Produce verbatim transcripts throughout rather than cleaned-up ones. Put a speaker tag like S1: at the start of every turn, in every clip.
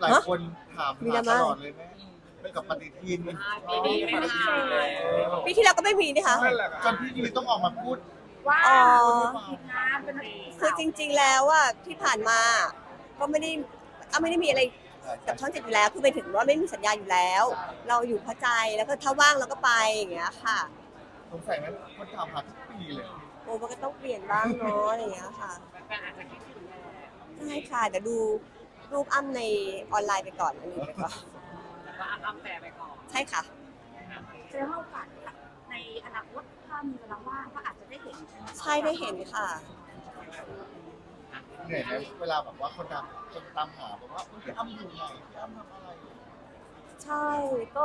S1: หลายคนถามหาตลอดเลยแม่ไปกับปฏิทิน
S2: ปีนี้ไม่มา
S3: ปีที่แล้วก็ไม่มีนะคะ
S1: จนพี่ยุ้ยต้องออกมาพูด
S2: ว่า
S3: อ๋อ
S2: ผิดนะเป็น
S3: คือจริง ๆ แล้วอ่ะที่ผ่านมาก็ไม่ได้อ้าไม่ได้มีอะไรกับช่องเจ็ดอยู่แล้วคือไปถึงว่าไม่มีสัญญาอยู่แล้ว เราอยู่พอใจแล้วก็ถ้าว่างเราก็ไปอย่างเงี้ยค่ะ
S1: สงสัยไหมคนถามหาทุกปีเลย
S3: โอ้มันก็ต้องเปลี่ยนบ้างเนาะอะไรอย่างเงี้ยค่ะ
S2: แฟนอาจจะคิดถึงแหละ
S3: ใช่ค่ะเดี๋ยวดูรูปอ้ำในออนไลน์ไปก่อนอันนี้ไปก่อน
S2: แล้วก็อ้ำแปรไปก่อน
S3: ใช่ค่ะ
S2: เจอโอกาสในอนาคตถ้ามีเวลาว่างก็อาจจะได้เห็น
S3: ใช่ได้เห็นค่ะ
S1: เหนื่อยไหมเวลาแบบว่าคนตามคนตามหาบอกว่าพี่อ้ำอยู่ไหนพี่อ้ำทำอะไร
S3: ใช่ก็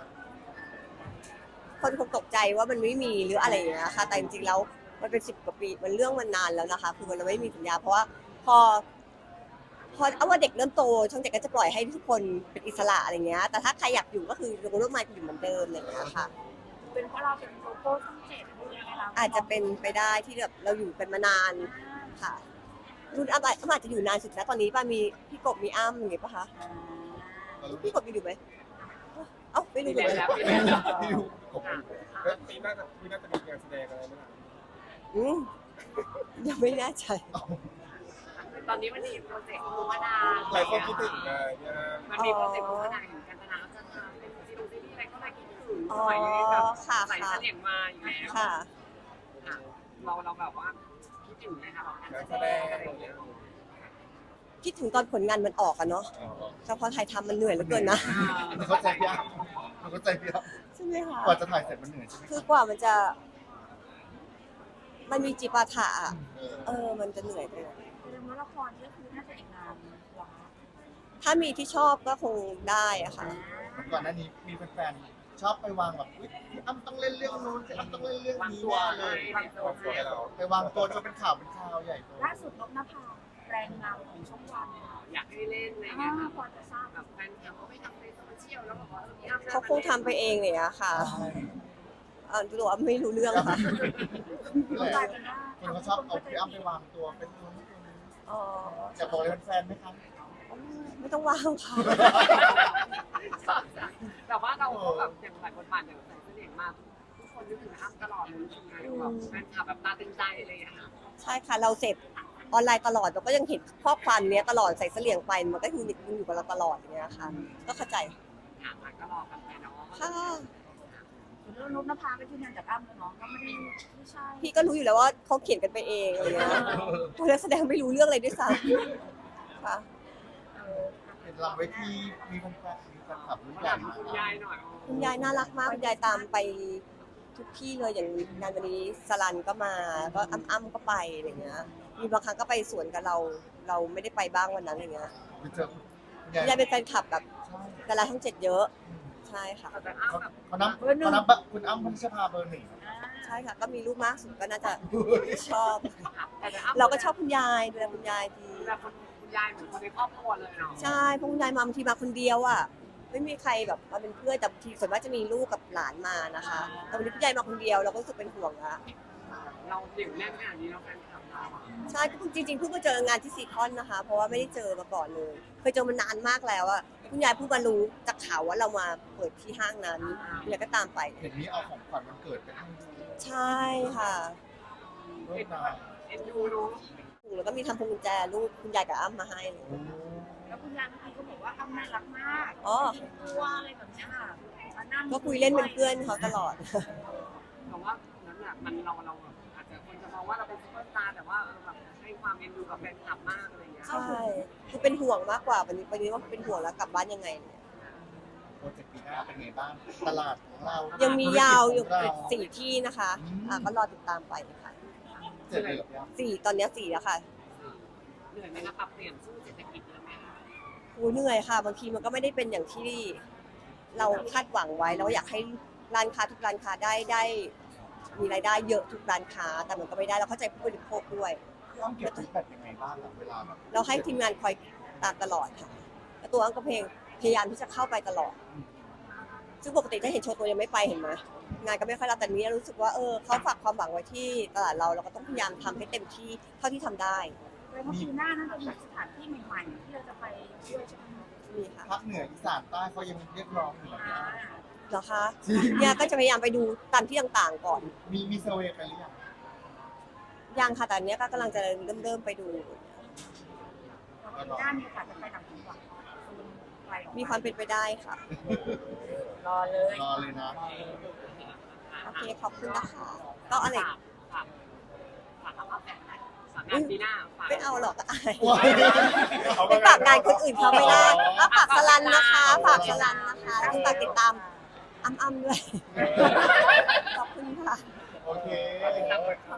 S3: คนคงตกใจว่ามันไม่มีหรืออะไรอย่างเงี้ยค่ะแต่จริงๆแล้วมันเป็นสิบกว่าปีมันเรื่องมันนานแล้วนะคะคือมันไม่มีสัญญาเพราะว่าพอพอเอาว่าเด็กเริ่มโตช่องเจ็ดก็จะปล่อยให้ทุกคนเป็นอิสระอะไรเงี้ยแต่ถ้าใครอยากอยู่ก็คือลงรูปมาอยู่เหมือนเดิมอะไรอย่างเงี้ยค่ะ
S2: เป็นเพราะเราเป็นโลโก้ช่องเจ็ดด้วยไหมคะ
S3: อาจจะเป็นไปได้ที่แบบเราอยู่กันมานานค่ะรุ่นอ้ำอ้ำอาจจะอยู่นานสุดนะตอนนี้ป้ามีพี่กบมีอ้ำอย่างเงี้ยป่ะคะพี่กบมีอยู่ไหมเอ้าไม่รู้
S2: มี
S3: เลย
S2: แล้วมีแล้ว
S1: พี่ยุ้ยกบ
S4: แล้วปีหน้าจะปีหน้าจะมีงานแสดงอะไรไหมล่ะ
S3: อืมยังไม่แน่ใจ
S2: ตอนนี้มันมีโปรเจกต์มูมะนาว
S4: หลายคนคิดถึงไงเนี่ย
S2: มันมีโปรเจกต์มูมะนาวเห็นกันตนาจะทำเป็นซีรีส์ซีรีส์อะไรก็เลยคิดถึง
S3: อ๋
S2: ส
S3: อ
S2: มัยนี้แบบ
S3: ค่ะ
S2: ใส่
S3: ค่ะ
S2: เสลี่ยงมาอยู่แล้ว
S3: ค่ะ
S2: ค่ะเราเราแบบว่าคิดถึงไหมคะแบบ
S4: งานแสดงอะไรอย่างเงี้ย
S3: คิดถึงตอนผลงานมันออกอะเนาะแต่พอถ่ายทำมันเหนื่อยเหลือเกินนะ
S1: หนูเข้าใจพี่อ้ำหนูเข้าใจพี่อ้ำ
S3: ใช่ไหมคะ
S1: กว่าจะถ่ายเสร็จมันเหนื่อยใช่ไหม
S3: คือกว่ามันจะ มันมีจิปาถะอะ
S1: เออ
S3: เออ มันจะเหนื่อยไปหน่อย
S2: เรื่องละครก็คือน่าจะอีกนานหรอ
S3: ถ้ามีที่ชอบก็คงได้อะค่ะ
S1: ก่อนหน้านี้มีแฟนๆชอบไปวางแบบอุ๊ยพี่อ้ำต้องเล่นเรื่องนู้นพี่อ้ำต้องเล่นเรื่อง
S2: วาง
S1: นี้
S2: ตัว
S1: แน่เลย
S2: วางตัวให้
S1: ไปวางตัวจนเป็นข่าวเป็นข่าวใหญ่โต
S2: ล่าสุดนกนภาแรงเงาของช่องวันอยากให้เล่นอะไรเงี้ยค่ะพอจะทราบแบบแฟนคลับเขาไปทำในโซเชียลแล้วบอกว่าเออพี่อ้ำ
S3: เขาคงทำไปเองเลยอะค่ะ
S1: ใช่
S3: อ่าตัวอ้ำไม่รู้เรื่องค่ะ
S1: คนเขาชอบเอาพี่อ้ำไปวางตัวเป็นนู้นเป็นนี้
S3: อ๋อ
S1: อยากบอกอะไรแฟนๆไหมคะ
S3: ไม่ต้องว่างค่ะ
S2: แต่ว่าเราก็แบบอย่างหลายคนผ่านอย่างใส่เสน่ห์มาทุกคนนึกถึงอ้ำตลอดเลยจริงๆแบบแฟนคลับแบบตาตึงใจเลยอะค่ะ
S3: ใช่ค่ะ เราเสพออนไลน์ตลอดเราก็ยังเห็นข้อความเนี้ยตลอดใส่เสลี่ยงไปมันก็คือมันอยู่กับเราตลอดอย่างเงี้ยค่ะ ก็เข้าใจ
S2: ถามมาก็รอกันไปเนาะ
S3: ค่ะ
S2: เรื่องนกนภาเป็นที่งานจากอ้ำเนาะก็ไม่ได้ไม่ใช่
S3: พี่ก็รู้อยู่แล้วว่าเขาเขียนกันไปเองอะไรเงี้ยตัวนักแสดงไม่รู้เรื่องอะไรด้วยซ้ำค่ะ
S1: เป็นลำไว้ที่มีแฟนๆมีแฟนคลับรุ่นใหญ่
S2: ถามคุณยายหน่อย
S3: คุณยายน่ารักมากคุณยายตามไปทุกที่เลยอย่างงานวันนี้สลันก็มาก็อ้ำอ้ำก็ไปอะไรเงี้ยมีบางครั้งก็ไปสวนกับเรา เราไม่ได้ไปบ้างวันนั้นอะไรเงี้ย
S1: ไปเจอคุณ
S3: คุณยายเป็นแฟนคลับแบบ
S1: ใช่
S3: ดาราช่องเจ็ดเยอะใช่ค่ะ
S2: แต่อ้ำแบบ
S1: เขานับเขานับแบบคุณอ้ำพัชภาเบอร์หนึ่ง
S3: ใช่ค่ะ ก็มีรูปมากสุดก็น่าจะชอบ
S2: แต่อ้ำ
S3: เราก็ชอบคุณยายดูแลคุณยายดี
S2: แบบคุณยายเหมือนคนในครอบครัวเลยเนาะ
S3: ใช่เพราะคุณยายมาบางทีมาคนเดียวอ่ะไม่มีใครแบบมาเป็นเพื่อนแต่บางทีส่วนมากจะมีลูกกับหลานมานะคะแต่วันนี้คุณยายมาคนเดียวเราก็รู้สึกเป็นห่วงละ
S2: เราเหนียวแน่นขนาดนี้เราแฟนคลับเราอะ
S3: ใช่ก็เพิ่งจริงๆเพิ่งมาเจองานที่ซีคอนนะคะ เพราะว่าไม่ได้เจอมาก่อนเลยเคยเจอมานานมากแล้วอะคุณยายเพิ่งมารู้จากข่าวว่าเรามาเปิดที่ห้างนั้นคุณยายก็ตามไป
S1: เห็นนี้เอาของขวัญวันเกิดไปให้
S3: ใช่ค่ะ
S1: เริ่มนาน
S2: เอ็นดูรู้
S3: แล้วก็มีทำพวงกุญแจรูปคุณยายกับอ้ำมาให้เลย
S2: แล้วคุณยายเมื่อกี้ก็บอกว่าอ้ำน่ารักมาก
S3: อ๋อ
S2: ตัวอะไรแบบเนี้ยค่ะมานั่ง
S3: ก็คุยเล่นเป็นเพื่อนเขาตลอด
S2: แต่ว่านั้นน่ะมันเราเราแบบอาจจะคนจะมองว่าเราเป็นซุปเปอร์สตาร์แต่ว่าเออแบบให้ความเอ็นดูกับแฟนคลับมากอะไรเงี้ย
S3: ใช่คือเป็นห่วงมากกว่าวันนี้วันนี้ว่าเป็นห่วงแล้วกลับบ้านยังไงเนี่ย
S1: โปรเจกต์ปีหน้าเป็นไงบ้าง ตลาดของเรา
S3: ยั
S1: ยัง
S3: มียาวอยู่สี่ที่นะคะอ่ะก็รอติดตามไปค่ะ
S1: เจ็ดเลยเหรอพี่อ้ำ
S3: สี่ตอนเนี้ยสี่แล้วค่ะ
S2: เหนื่อยไหมคะปรับเปลี่ยนสู้เศรษฐกิจเลยไหมคะ
S3: โอ้เหนื่อยค่ะ บางทีมันก็ไม่ได้เป็นอย่างที่เราคาดหวังไว้เราอยากให้ร้านค้าทุกร้านค้าได้ได้มีรายได้เยอะทุกร้านค้า แต่มันก็ไม่ได้เราเข้าใจผู้บริโภคด้วย
S1: พี่อ้ำเก็บฟีดแบ็กยังไงบ้างอะเวลาแบบ
S3: เราให้ทีมงานคอยตามตลอดค่ะแล้วตัวอังก็เพลงพยายามที่จะเข้าไปตลอด ซึ่งปกติถ้าเห็นโชว์ตัวยังไม่ไปเห็นไหมงานก็ไม่ค่อยรับแต่นี้รู้สึกว่าเออเขาฝากความหวังไว้ที่ตลาดเราเราก็ต้องพยายามทำให้เต็มที่เท่าที่ทำได้
S2: เลยว่าปีหน้าน่าจะมีสถานที่ใหม่ๆที่เราจะไปด้วยใช่ไหมคะ
S3: มี
S1: ภาคเหนืออีสานใต้เขายังเรียกร้องอยู่นะ
S2: อ่า
S3: เหรอคะเนี่ยก็จะพยายามไปดูตามที่ต่างๆก่อน
S1: มีมีเซอร์เวย์ไปหรือยัง
S3: ยังค่ะแต่อันเนี้ยก็กำลังจะเริ่มเริ่มๆไปดู
S2: ด้านมีโอกาสจะไปต่างจังหวัดไปออก
S3: มีความเป็นไปได้ค่ะ
S2: รอเลย
S1: รอเลยนะ
S3: โอเคขอบคุณนะคะ ก็อะไร
S2: ฝากฝากฝากเอาแบบไหนฝากงานปีหน้าฝาก
S3: ไม่เอาหรอกอาย
S1: ว้าย
S3: ไปฝากงานคนอื่นเขาไม่ได้ก็ฝากสลันนะคะ ฝากสลันนะคะแล้วฝากติดตามอ้ำๆด้วย ขอบคุณค่ะ
S1: โอเค
S2: ฝาก